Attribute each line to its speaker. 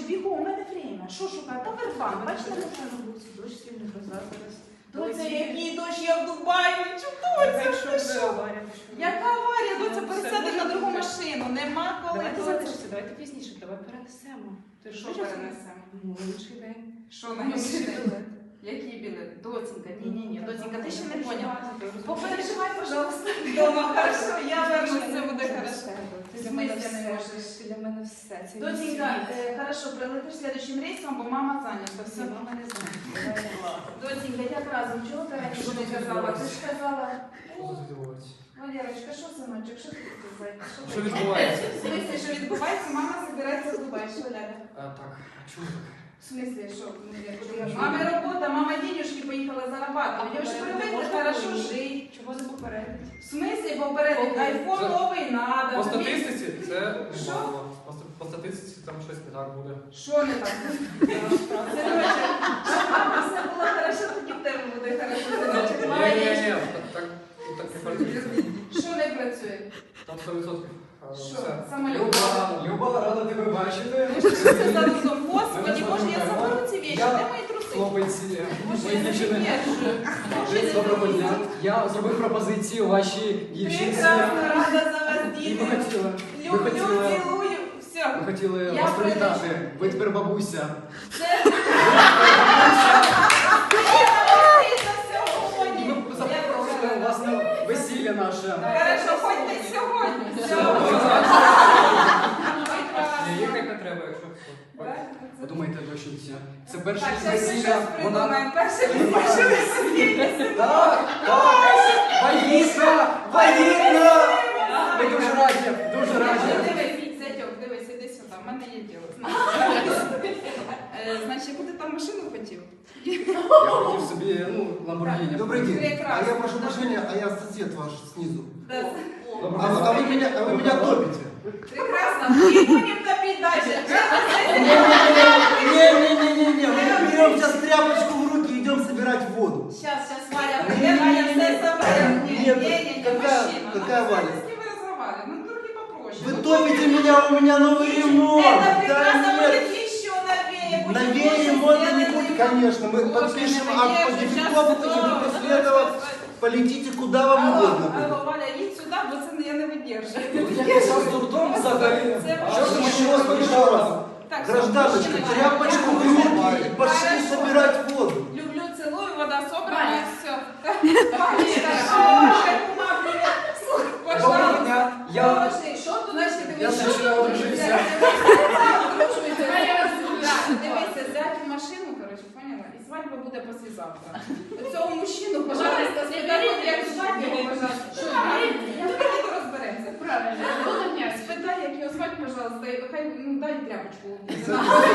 Speaker 1: бігом, у мене время. Що шукати? Та вербан, бачите,
Speaker 2: машину був ці дощ, сильно гроза зараз.
Speaker 1: Доця, який дощ, я в Дубаї, чудовиця, ти що? Яка аварія, доця, пересядеш на другу машину, нема коли.
Speaker 2: Давайте залишимося, давайте пізніше, давай перенесемо.
Speaker 1: Ти що перенесемо?
Speaker 2: Ну, інший день.
Speaker 1: Що на інший день? Який білет? Доцінька, ні, доцінька, ти ще не поняла. Попереживай, пожалуйста, вдома, хорошо, я вернусь, це буде хорошо.
Speaker 2: Ти для мене все, для мене все.
Speaker 1: Доцінька, хорошо, прилетиш слідчим рейсом, бо мама зайнята. Все,
Speaker 2: Мама не знає.
Speaker 1: Доцінька, як разом, чого ти раніше не казала? Ти ж казала, Валерочка, що, синочок, що ти тут зайка?
Speaker 3: Що відбувається?
Speaker 1: В смислі, що відбувається, мама збирається в Дубай, що, Ляля?
Speaker 3: Так, чому так?
Speaker 1: В смислі, що? Мами робота, мама денежки поїхала зарабатувати. Я ж привикла, хорошо жити.
Speaker 2: Чого не попередить?
Speaker 1: В смислі попередить? Айфон новий надо.
Speaker 3: По статистиці це
Speaker 1: Що?
Speaker 3: немало. По статистиці там щось не так буде.
Speaker 1: Що не так? Синочок, щоб мама все було хорошо, тоді в тебе буде хорошо. Синочок, молодець.
Speaker 3: Ні, так не працює.
Speaker 1: Що не працює?
Speaker 3: Там 100%.
Speaker 1: Що? Самолюб.
Speaker 4: Люба, рада тебе бачити.
Speaker 1: Що це за розум? Господи, Боже, я заберу ці вещи. Де мої труси?
Speaker 4: Хлопець,
Speaker 1: Боже,
Speaker 4: мої
Speaker 1: я
Speaker 4: дівчини.
Speaker 1: не
Speaker 4: Доброго дня. Я зробив пропозицію вашій дівчинці.
Speaker 1: Прекрасно, рада за вас,
Speaker 4: І
Speaker 1: діти.
Speaker 4: ви
Speaker 1: Люблю,
Speaker 4: хотіли,
Speaker 1: цілую. Все.
Speaker 4: ви хотіли
Speaker 1: Я
Speaker 4: вас привітати.
Speaker 1: прилечу.
Speaker 4: Ви тепер бабуся.
Speaker 1: Це
Speaker 4: І ми запрошуємо вас на весілля наше.
Speaker 1: Хорошо, хоч не сьогодні. Все.
Speaker 3: Ні, їхати не треба, якщо.
Speaker 4: Ви думаєте, доченці, це перше
Speaker 1: Так, зараз ми
Speaker 4: весілля.
Speaker 1: щось придумаємо. Перше весілля.
Speaker 4: Так, вагітна, вагітна. Ми дуже раді, дуже раді.
Speaker 1: Дивись, зятьок, дивись, іди сюди, в мене є діло. Значить, яку ти там машину хотів?
Speaker 4: Я хотів собі, Ламборгіні.
Speaker 5: Добрый день.
Speaker 1: Прекрасно.
Speaker 5: А я прошу прощения, а я сосед ваш снизу.
Speaker 1: Да.
Speaker 5: А вы меня топите.
Speaker 1: Прекрасно. І будемо топити далі.
Speaker 5: Не-не-не-не-не. Мы берем сейчас тряпочку в руки и идем собирать воду.
Speaker 1: Сейчас Валя прийде, Валя все забере. Ні,
Speaker 5: Какая Валя?
Speaker 1: С кем вы разговаривали? Ну, трохи попроще.
Speaker 5: Вы топите меня, у меня новый ремонт.
Speaker 1: Это прекрасно,
Speaker 5: Да
Speaker 1: будет
Speaker 5: нет.
Speaker 1: еще новее. Будет
Speaker 5: Новее
Speaker 1: лучше
Speaker 5: ремонта не
Speaker 1: сделано.
Speaker 5: будет, конечно. Мы
Speaker 1: Боже,
Speaker 5: подпишем
Speaker 1: не
Speaker 5: акт по
Speaker 1: надеюсь,
Speaker 5: дефектову,
Speaker 1: сейчас
Speaker 5: и вы
Speaker 1: снова.
Speaker 5: после этого полетите куда вам угодно.
Speaker 1: Алло, Валя, їдь сюди, бо це я не видержую.
Speaker 4: Я зараз дурдом взагалі.
Speaker 1: Це
Speaker 4: Що ж ми
Speaker 5: Еще раз, еще раз.
Speaker 1: Так,
Speaker 5: Гражданочка,
Speaker 1: мужчина,
Speaker 5: тряпочку в руки и пошли
Speaker 1: Хорошо.
Speaker 5: собирать воду.
Speaker 1: Люблю, целую, вода собрана, все.
Speaker 4: Доброго дня. Я
Speaker 1: Що тут значить
Speaker 4: Я
Speaker 1: дивися?
Speaker 4: ще не одружився.
Speaker 1: Дивися, взяти в машину, коротше, поняла? І свадьба буде післязавтра. Цього мужчину, пожалуйста, спитай, як звати його, пожалуйста. Що, давайте розберемося. Правильно. Спитай, як його звати, пожалуйста, і хай дай тряпочку.